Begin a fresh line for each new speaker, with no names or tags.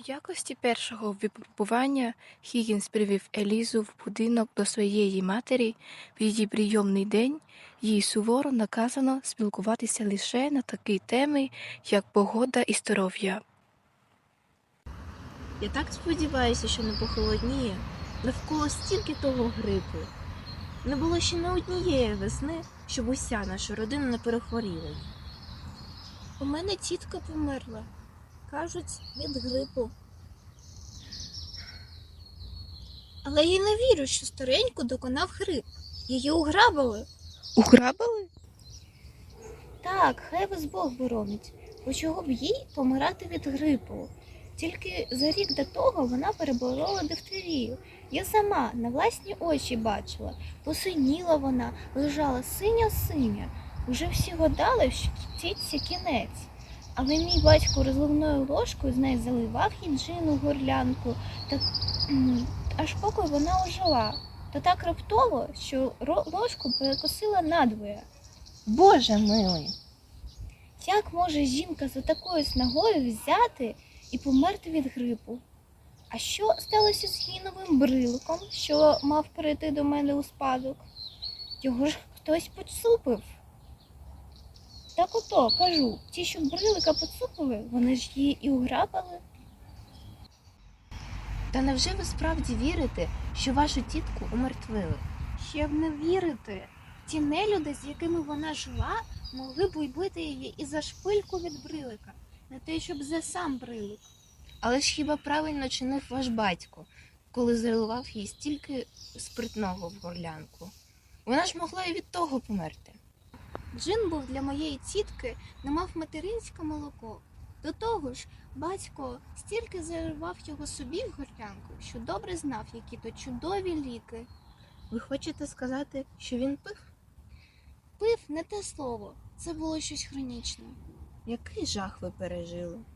якості першого випробування Хіггінс привів Елізу в будинок до своєї матері. В її прийомний день їй суворо наказано спілкуватися лише на такі теми, як погода і здоров'я.
Я так сподіваюся, що не похолодніє. Навколо стільки того грипу. Не було ще не однієї весни, щоб уся наша родина не перехворіла.
У мене тітка померла. Кажуть, від грипу. Але я не вірю, що стареньку доконав грип. Її уграбили.
Уграбили?
Так, хай вас Бог боронить. Бо чого б їй помирати від грипу? Тільки за рік до того вона переборола дифтерію. Я сама на власні очі бачила. Посиніла вона, лежала синя-синя. Уже всі гадали, що тітці кінець. Але мій батько розливною ложкою з неї заливав їй джин у горлянку, аж поки вона ожила. То так раптово, що ложку перекосила надвоє.
Боже милий!
Як може жінка за такою снагою взяти і померти від грипу? А що сталося з її новим бриликом, що мав перейти до мене у спадок? Його ж хтось поцупив. Так ото, кажу, ті, що брилика поцупили, вони ж її і уграбили.
Та невже ви справді вірите, що вашу тітку умертвили?
Ще б не вірити. Ті нелюди, з якими вона жила, могли б убити її і за шпильку від брилика, не те, щоб за сам брилик.
Але ж хіба правильно чинив ваш батько, коли заливав їй стільки спиртного в горлянку? Вона ж могла і від того померти.
Джин був для моєї тітки, не мав материнське молоко. До того ж, батько стільки заливав його собі в горлянку, що добре знав, які то чудові ліки.
Ви хочете сказати, що він пив?
Пив не те слово, це було щось хронічне.
Який жах ви пережили?